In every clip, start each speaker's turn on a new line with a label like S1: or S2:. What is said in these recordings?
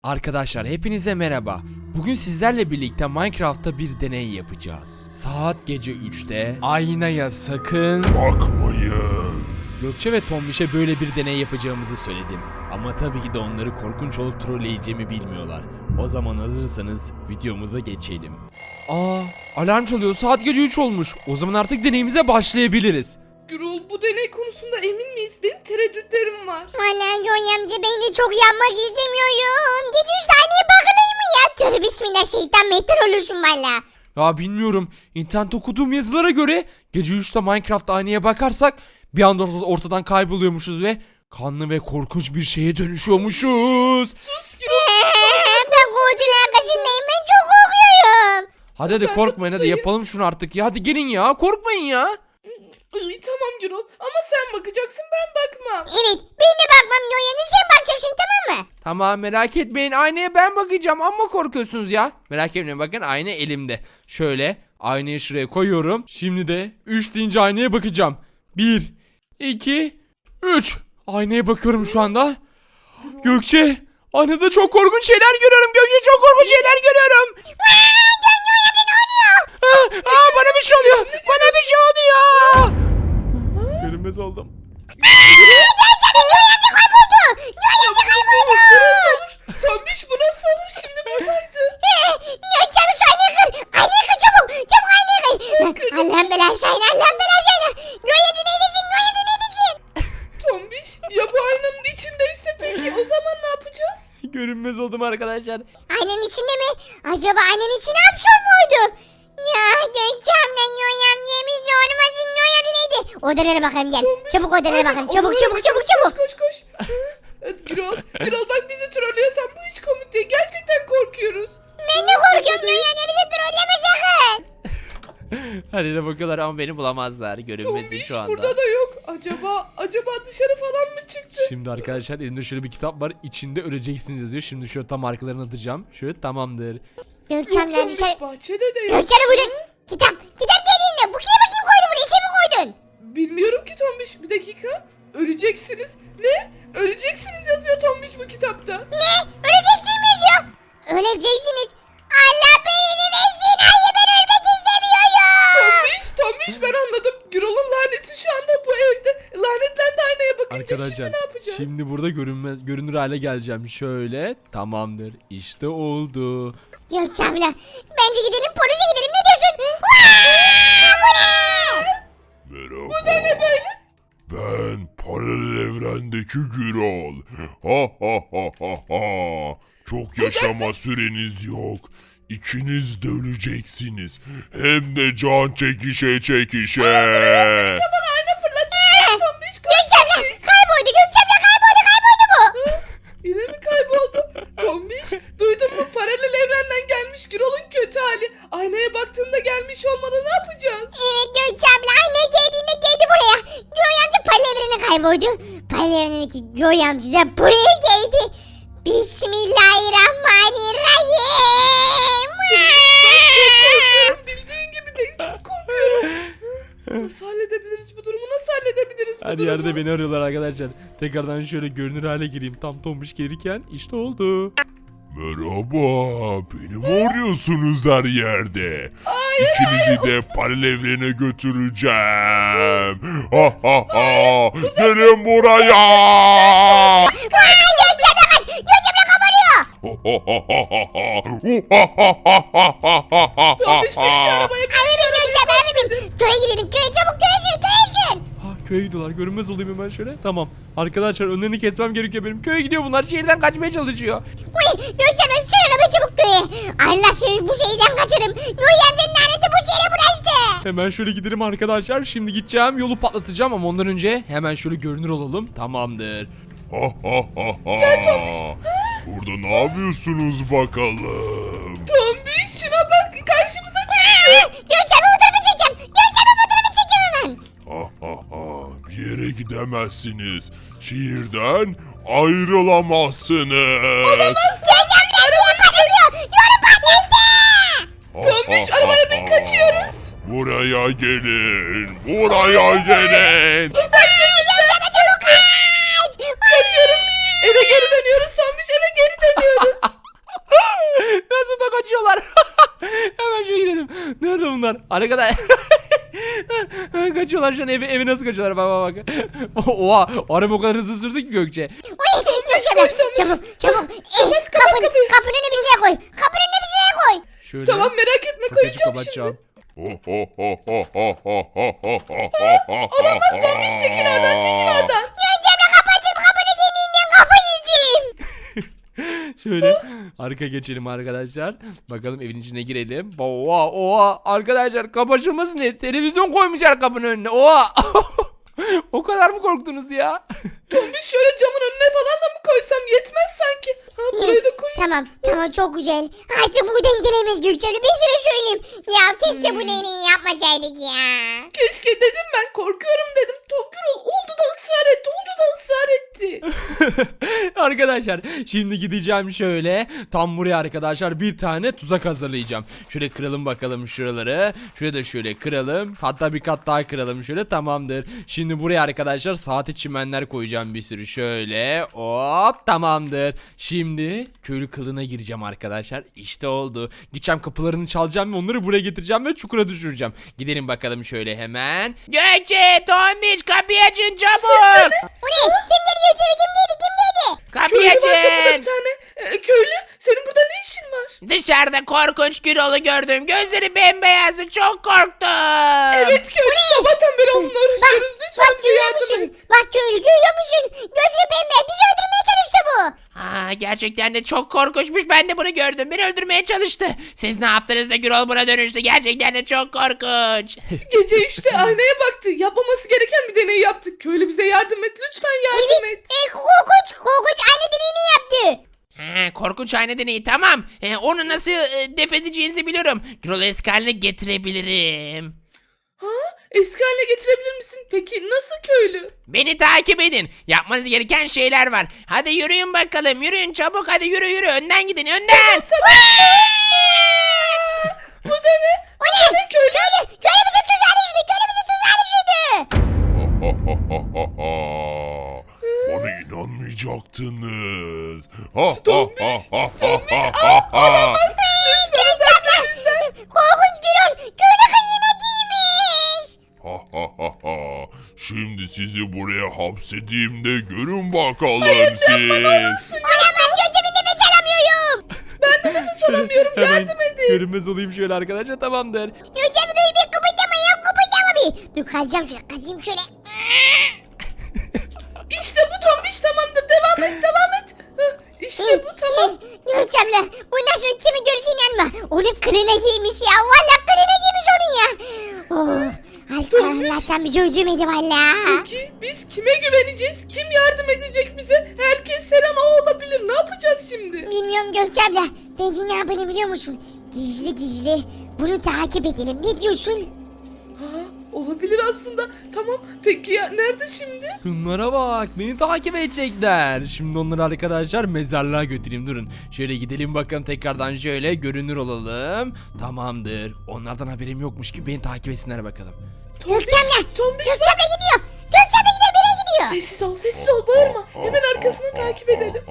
S1: Arkadaşlar hepinize merhaba. Bugün sizlerle birlikte Minecraft'ta bir deney yapacağız. Saat gece 3'te aynaya sakın
S2: Bakmayın.
S1: Gökçe ve Tombiş'e böyle bir deney yapacağımızı söyledim. Ama tabii ki de onları korkunç olup trolleyeceğimi bilmiyorlar. O zaman hazırsanız videomuza geçelim. Alarm çalıyor, saat gece 3 olmuş. O zaman artık deneyimize başlayabiliriz.
S3: Gürol, bu deney konusunda emin miyiz? Benim tereddütlerim var.
S4: Valla Yonya amca ben de çok yanmak istemiyorum. Gece 3 taneye bakılayım mı ya? Tövbe bismillah, şeytan mehtır olursun valla.
S1: Ya bilmiyorum. İnternette okuduğum yazılara göre gece 3'te Minecraft aynaya bakarsak bir anda ortadan kayboluyormuşuz ve kanlı ve korkunç bir şeye dönüşüyormuşuz.
S3: Sus Gürol.
S4: Ben koltuğun arkasındayım, ben çok korkuyorum.
S1: Hadi korkmayın, hadi yapalım şunu artık ya. Hadi gelin ya, korkmayın ya.
S3: Ay, tamam Gürol ama sen bakacaksın, ben bakmam.
S4: Evet, ben de bakmam Yonya amca, sen bakacaksın, tamam mı?
S1: Tamam, merak etmeyin, aynaya ben bakacağım, amma korkuyorsunuz ya. Merak etmeyin, bakın ayna elimde. Şöyle aynayı şuraya koyuyorum. Şimdi de 3 deyince aynaya bakacağım. 1, 2, 3. Aynaya bakıyorum şu anda. Gökçe, aynada çok korkunç şeyler görüyorum. Gökçe, çok korkunç şeyler görüyorum. Bana bir şey oluyor. Bana bir şey oluyor. Görünmez oldum.
S3: Tombiş, bu nasıl olur? Şimdi buradaydı.
S4: Yonya amca şu aynayı kır. Aynayı kır çabuk. Çabuk aynayı kır. Allah'ım belanı şahine, Allah'ım belanı şahine. Yonya amca ne edeceksin? Yonya amca ne edeceksin?
S3: Tombiş, ya bu aynanın içindeyse peki o zaman ne yapacağız?
S1: Görünmez oldum arkadaşlar.
S4: Aynanın içinde mi? Acaba aynanın içine hapşur muydu? Ya Gökçem'den Yonya amcamız olmasın. Yonya amca neydi? Odalara bakalım gel. Çabuk odalara bakalım. Çabuk çabuk çabuk çabuk.
S3: Koş koş. Gürol bak, bizi trollüyorsan bu hiç komik değil. Gerçekten korkuyoruz.
S4: Ben de korkuyorum Yonya amca, bizi trolleme sakın.
S1: Her yere bakıyorlar ama beni bulamazlar. Görünmezim
S3: Tombiş
S1: şu anda.
S3: burada da yok. Acaba dışarı falan mı çıktı?
S1: Şimdi arkadaşlar elimde şöyle bir kitap var. İçinde öleceksiniz yazıyor. Şimdi şöyle tam arkalarına atacağım. Şöyle tamamdır.
S4: Gökçem'den
S3: Tombiş,
S4: dışarı...
S3: bahçede de yok.
S4: Gökçem'e burada... Kitap geldiğinde. Bu kitaba kim koydu buraya? Sen mi koydun?
S3: Bilmiyorum ki Tombiş. Bir dakika. Öleceksiniz. Ne? Öleceksiniz yazıyor Tombiş bu kitapta.
S4: Ne? Öleceksiniz ya. Öleceksiniz. Allah beni versin. Hayır, ben ölmek istemiyorum.
S3: Tombiş ben anladım. Gürol'un laneti şu anda bu evde. Lanetlendi aynaya bakınca.
S1: Arkadaşlar
S3: Şimdi ne yapacağız?
S1: şimdi burada görünür hale geleceğim. Şöyle tamamdır. İşte oldu.
S4: Gökçem'le. Bence gidelim, polise gidelim. Ne diyorsun? Vaa! Bu ne?
S2: Merhaba. Bu da ne böyle? Ben paralel evrendeki Gürol. Ha ha ha ha ha. Çok yaşama süreniz yok. İkiniz de öleceksiniz. Hem de can çekişe çekişe.
S3: Ayna fırlattı. Tombiş
S4: Gökçem'le kayboldu. Gökçem'le kayboldu bu.
S3: Yine mi kayboldu? Tombiş duydun mu? Paralel evrenden gelmiş Gürol'un kötü hali. Aynaya baktığında gelmiş olmalı, ne yapacağız?
S4: Evet, Gökçem'le aynı geldiğinde geldi buraya. Göğe amca paralel evrene kayboldu. Paralel evrendeki Göğe amca da buraya geldi. Bismillahirrahmanirrahim.
S3: Korkuyorum, bildiğin gibi değil, çok korkuyorum. Nasıl halledebiliriz bu durumu? Nasıl halledebiliriz bu
S1: Her
S3: durumu?
S1: yerde beni arıyorlar arkadaşlar. Tekrardan şöyle görünür hale gireyim. Tam tombiş gelirken işte oldu.
S2: Merhaba. Beni mi arıyorsunuz her yerde? İkinizi de paralel evrene götüreceğim. Ha ha ha. Gelin buraya.
S4: Gökçem'le kaç. Gökçem'le kabarıyor.
S3: Tombiş beni şu arabaya
S4: Abi bin Gökçem'le, abi bin. Köye gidelim, köye çabuk, köye sür, köye sür.
S1: Köye gidiyorlar. Görünmez olayım hemen şöyle. Tamam. Arkadaşlar önlerini kesmem gerekiyor benim. Köye gidiyor bunlar. Şehirden kaçmaya çalışıyor.
S4: Uy, Gökçem'le sür araba çabuk köye. Allah aşkına bu şehirden kaçarım. Göğe amcanın laneti bu şehre bulaştı.
S1: Hemen şöyle gidelim arkadaşlar. Şimdi gideceğim. Yolu patlatacağım ama ondan önce hemen şöyle görünür olalım. Tamamdır.
S2: Burada ne yapıyorsunuz bakalım?
S3: Tombiş şuna bak, karşımıza çıktı.
S4: Gökçem'le fotoğrafı çekeceğim. Gökçem'le fotoğrafı çekeceğim hemen.
S2: Bir yere gidemezsiniz. Şehirden ayrılamazsınız.
S4: Gökçem'le diye patlatıyor. Yolu patlattı.
S3: Tombiş arabaya bin, kaçıyoruz.
S2: Buraya gelin. Buraya gelin.
S4: Gökçem'le çabuk kaç.
S3: Kaçıyorum. Eve geri dönüyoruz Tombiş, eve geri dönüyoruz.
S1: kaçıyorlar. Arkadaşlar. Kaçıyorlar şu an evi nasıl kaçıyorlar bak bak bak. Oha araba o kadar hızlı sürdü ki Gökçe.
S4: Uy Gökçemle çabuk çabuk. Kapının önüne bir şey koy. Kapının önüne bir şey koy.
S1: Şöyle.
S3: Tamam merak etme
S1: kapıyı
S3: koyacağım
S1: kapatacağım.
S3: şimdi.
S2: Olamaz
S3: Tombiş çekil oradan.
S4: Gökçemle kapı açıp kapını yeniden kapı yiyeceğim.
S1: Şöyle arka geçelim arkadaşlar. Bakalım evin içine girelim. Oha arkadaşlar kapı açılmasın diye televizyon koymuşlar kapının önüne. Oha. O kadar mı korktunuz ya?
S3: Tombiş şöyle camın önüne falan da mı koysam yetmez sanki. Ha burayı da koyayım.
S4: Tamam çok güzel. Artık buradan gelemez Gökçemle. Bir şey söyleyeyim. Ya keşke bunu en iyi yapmasaydık ya.
S3: Keşke dedim ben korkuyorum dedim. Gürol oldu da ısrar etti. Oldu da ısrar etti.
S1: Arkadaşlar şimdi gideceğim şöyle tam buraya arkadaşlar bir tane tuzak hazırlayacağım. Şöyle kıralım bakalım şuraları. Şuraya da şöyle kıralım. Hatta bir kat daha kıralım şöyle tamamdır. Şimdi buraya arkadaşlar saati çimenler koyacağım bir sürü şöyle. Hop tamamdır. Şimdi köylü kılığına gireceğim arkadaşlar. İşte oldu. Gideceğim kapılarını çalacağım ve onları buraya getireceğim ve çukura düşüreceğim. Gidelim bakalım şöyle hemen. Gökçe, Tombiş kapıyı açın çabuk.
S4: Bu ne? Kim geliyor içeri? Kim geldi? Kim geldi?
S1: Kapıyı
S3: Köylü var kapıda bir
S1: açın.
S3: tane. Köylü senin burada ne işin var?
S1: Dışarıda korkunç Gürol'u gördüm. Gözleri bembeyazdı. Çok korktum.
S3: Evet köylü sabahtan beri onunla uğraşıyoruz. Lütfen
S4: Bak
S3: bize
S4: görüyor
S3: yardım
S4: musun?
S3: et.
S4: Bak köylü görüyor musun? Gözü pembe. Bizi öldürmeye çalıştı bu.
S5: Aa, gerçekten de çok korkunçmuş. Ben de bunu gördüm. Beni öldürmeye çalıştı. Siz ne yaptınız da Gürol buna dönüştü? Gerçekten de çok korkunç.
S3: Gece 3'te aynaya baktı. Yapmaması gereken bir deney yaptık. Köylü bize yardım et. Lütfen yardım et.
S4: Korkunç aynı deneyini yaptı.
S5: Ha, korkunç ayna deneyi tamam. Onu nasıl def edeceğinizi biliyorum. Gürol'u eski haline getirebilirim.
S3: Ha? Eski haline getirebilir misin? Peki nasıl köylü?
S5: Beni takip edin. Yapmanız gereken şeyler var. Hadi yürüyün bakalım. Yürüyün çabuk. Hadi yürü. Önden gidin. Önden.
S3: Bu da ne?
S4: O ne?
S3: Köylü.
S4: Köylü bizi tuzağa düşürdü. Köylü bizi tuzağa düşürdü.
S2: Bana inanmayacaktınız.
S4: Korkunç Gürol. Köylü kıyığına giymiş.
S2: Şimdi sizi buraya hapsedeyim de görün bakalım siz.
S4: Olamaz gözümün nefes alamıyorum.
S3: Nefes alamıyorum.
S1: Hemen
S3: Yardım edin.
S1: görünmez olayım şöyle arkadaşlar tamamdır.
S4: Gözümü duyup bir kıpırdama ya kıpırdama bir. Dur kazacağım şöyle.
S3: İşte bu Tombiş tamamdır. Devam et. İşte bu tamam.
S4: Gökçemle bundan sonra kimi görürse inanma. Onun kılığına giymiş ya. Valla kılığına giymiş onun ya. Oh. Allah'tan bizi öldürmedi valla.
S3: Peki biz kime güveneceğiz? Kim yardım edecek bize? Herkes her an o olabilir. Ne yapacağız şimdi?
S4: Bilmiyorum Gökçemle. Bence ne yapalım biliyor musun? Gizli bunu takip edelim. Ne diyorsun?
S3: Ha, olabilir aslında. Tamam. Peki ya nerede şimdi?
S1: Şunlara bak beni takip edecekler. Şimdi onları arkadaşlar mezarlığa götüreyim durun. Şöyle gidelim bakalım tekrardan şöyle görünür olalım. Tamamdır. Onlardan haberim yokmuş ki beni takip etsinler bakalım.
S4: Gökçemle.
S3: Tombiş
S4: Gökçemle gidiyor. Gökçemle gidiyor. Nereye gidiyor?
S3: Sessiz ol bağırma. Hemen arkasını takip edelim.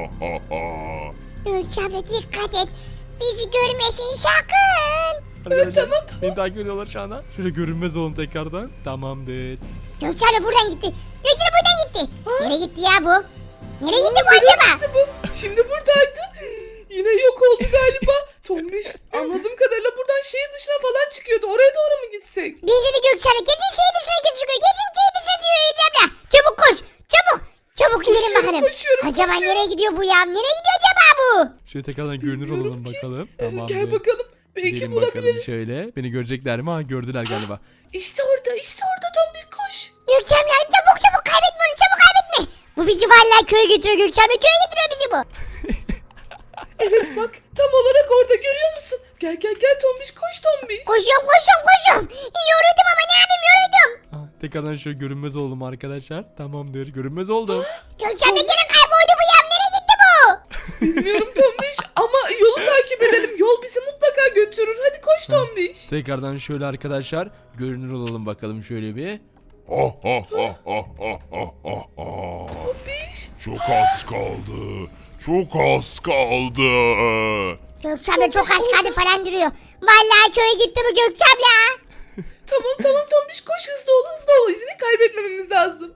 S4: Gökçemle dikkat et. Bizi görmesin sakın.
S1: Arkadaşlar
S3: tamam.
S1: beni takip ediyorlar şu anda. Şöyle görünmez olun tekrardan. Tamamdır.
S4: Gökçemle buradan gitti. Gökçemle buradan gitti. Nereye gitti ya bu? Nereye gitti bu acaba?
S3: Nerede bu? Şimdi buradaydı. Yine yok oldu galiba. Tombiş anladığım kadarıyla buradan şehir dışına falan çıkıyordu. Oraya doğru mu gitsek?
S4: Bence de Gökçemle kesin şehir dışına çıkıyor. Kesin şehir dışına çıkıyor Gökçemle. Çabuk koş. Çabuk. Çabuk gidelim bakalım.
S3: Koşuyorum.
S4: Acaba nereye gidiyor bu ya? Nereye gidiyor acaba bu?
S1: Şöyle tekrardan görünür
S3: Bilmiyorum
S1: olalım
S3: ki.
S1: bakalım. Tamamdır.
S3: Gel bakalım. Belki
S1: Gidelim bakalım
S3: bulabiliriz.
S1: şöyle. Beni görecekler mi? Ha gördüler galiba.
S3: İşte orada Tombiş koş.
S4: Gökçemle çabuk kaybetme onu çabuk kaybetme. Bu bizi vallahi köye götürüyor Gökçemle. Köye getiriyor bizi bu.
S3: Evet bak tam olarak orada görüyor musun? Gel Tombiş koş Tombiş.
S4: Koşuyorum. Yoruldum ama ne yapayım yoruldum.
S1: Ha, tekrardan şöyle görünmez oldum arkadaşlar. Tamamdır. Görünmez oldum.
S4: Gökçemle gene kayboldu bu ya. Nereye gitti bu?
S3: Bilmiyorum Tombiş ama yolu takip edelim. Yol bizi mutlaka götürür. Hadi koş Tombiş.
S1: Tekrardan şöyle arkadaşlar görünür olalım bakalım şöyle bir.
S3: Tombiş.
S2: Çok az kaldı. Çok az kaldı.
S4: Gökçe abla çok az kaldı falan duruyor. Vallahi köye gitti bu Gökçe abla.
S3: Tamam Tombiş koş hızlı ol izini kaybetmememiz lazım.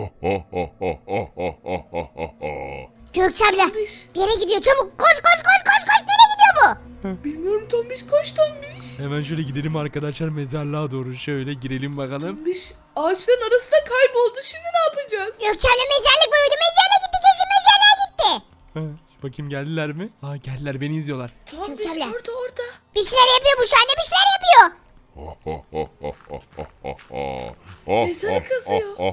S4: Gökçe abla
S3: Tombiş.
S4: bir yere gidiyor çabuk koş. Nereye gidiyor bu?
S3: Bilmiyorum Tombiş koş Tombiş.
S1: Hemen şöyle gidelim arkadaşlar mezarlığa doğru. Şöyle girelim bakalım.
S3: Tombiş ağaçların arasında kayboldu şimdi ne yapacağız?
S4: Gökçe abla mezarlık vuruydu. Mezarlığa gitti kesin mezarlığa gitti.
S1: Bakayım geldiler mi? Aa geldiler beni izliyorlar.
S3: Tombiş
S4: Gökçe abla.
S3: orada.
S4: Bir şeyler yapıyor bu şu anda bir şeyler yapıyor.
S3: Mezar kazıyor.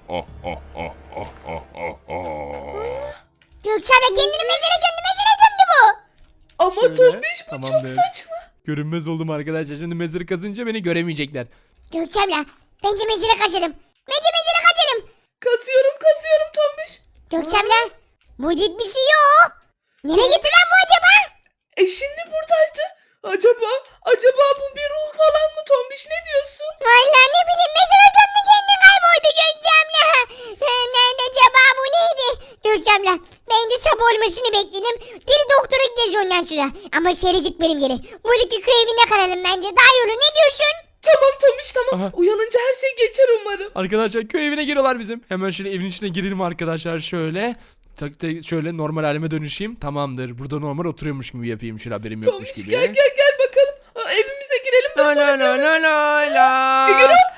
S4: Gökçe abla kendini mezara gömdü bu.
S3: Ama
S1: Şöyle,
S3: Tombiş bu
S1: tamam
S3: çok
S1: be.
S3: saçma.
S1: Görünmez oldum arkadaşlar. Şimdi mezarı kazınca beni göremeyecekler.
S4: Gökçe abla bence mezara kaçalım. Mezara kaçalım.
S3: Kazıyorum Tombiş.
S4: Gökçe abla bu bir şey yok. Nereye gitti lan bu acaba?
S3: Şimdi buradaydı. Acaba bu bir ruh falan mı Tombiş ne diyorsun?
S4: Vallahi ne bileyim mezara gömdü kendini kayboldu Gökçe abla. Nerede acaba bu neydi? Gökçe abla bence çabuk olmasını bekleyelim. Deli doktora gideceğiz ondan sonra. Ama şehre gitmeyelim geri. Buradaki köy evinde kalalım bence daha iyi olur ne diyorsun?
S3: Tamam Tombiş tamam.
S1: Aha.
S3: Uyanınca her şey geçer umarım.
S1: Arkadaşlar köy evine giriyorlar bizim. Hemen şöyle evin içine girelim arkadaşlar şöyle. Şöyle normal halime dönüşeyim. Tamamdır. Burada normal oturuyormuş gibi yapayım. Şöyle haberim yokmuş
S3: Tombiş
S1: gibi.
S3: gel bakalım. Evimize girelim de
S1: La
S3: sonra
S1: la la la la la.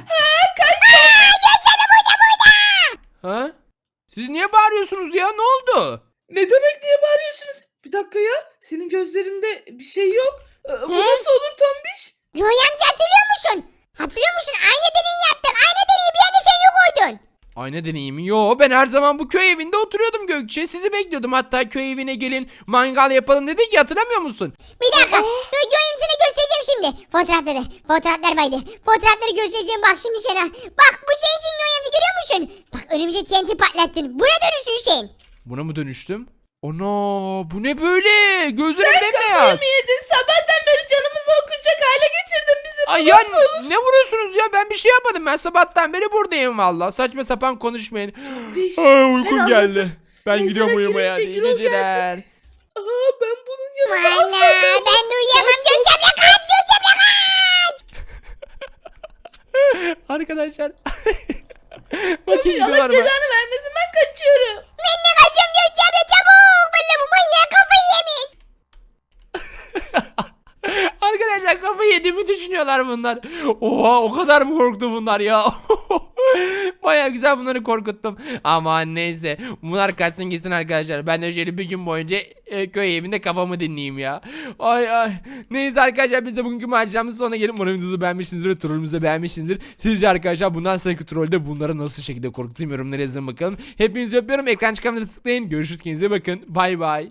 S1: Ha? Siz niye bağırıyorsunuz ya? Ne oldu?
S3: Ne demek niye bağırıyorsunuz? Bir dakika ya. Senin gözlerinde bir şey yok. Bu
S4: He?
S3: nasıl olur Tombiş?
S4: Yoy amca hatırlıyor musun? Hatırlıyor musun? Aynı deneyi yaptık. Aynı deneyi bir yerde sen yok oydun.
S1: Ayna deneyimi. Yo ben her zaman bu köy evinde oturuyordum Gökçe. Sizi bekliyordum. Hatta köy evine gelin mangal yapalım dedik ya hatırlamıyor musun?
S4: Bir dakika. Yoyum sana göstereceğim şimdi. Fotoğraflar baydı. Fotoğrafları göstereceğim bak şimdi sana. Bak bu şey için Yoyam'da görüyor musun? Bak önümüze TNT patlattın. Buna dönüşsün Hüseyin.
S1: Buna mı dönüştüm? Ana bu ne böyle? Gözlerim bembeyaz.
S3: Kafayı mı yedin? Sabahtan beri canımızı okuyacak hale getirdin bizi. Bu
S1: Ay ya
S3: nasıl olur?
S1: ne vuruyorsunuz ya? Ben bir şey yapmadım. Ben sabahtan beri buradayım valla. Saçma sapan konuşmayın.
S3: Tombiş,
S1: Ay uykum
S3: ben
S1: geldi.
S3: anladım.
S1: Ben
S3: Mezara
S1: gidiyorum uyumaya.
S3: girince
S1: İyi
S3: Gürol
S1: geceler.
S3: Ben bunun yanında
S4: Valla
S3: asla kalmam.
S4: ben de uyuyamam. Gökçem'le kaç. Gökçem'le kaç.
S1: Arkadaşlar. Bakın
S3: Tombiş Allah
S1: gidiyorlar mı?
S3: cezanı vermesin ben kaçıyorum.
S4: Ben de kaçıyorum Gökçem'le çabuk. Valla bu manyak kafayı yemiş.
S1: Arkadaşlar kafayı yediğimi düşünüyorlar bunlar. Oha o kadar mı korktu bunlar ya? Baya güzel bunları korkuttum. Ama neyse bunlar kaçsın gitsin arkadaşlar. Ben de şöyle bir gün boyunca köy evinde kafamı dinleyeyim ya. Ay. Neyse arkadaşlar biz de bugünkü maceramızın sonuna gelin. Umarım videomuzu beğenmişsinizdir ve trollümüzü de beğenmişsinizdir. Sizce arkadaşlar bundan sonraki trollde bunları nasıl şekilde korkutayım yorumlara yazın bakalım. Hepinizi öpüyorum. Ekran çıkanları tıklayın. Görüşürüz kendinize bakın. Bay bay.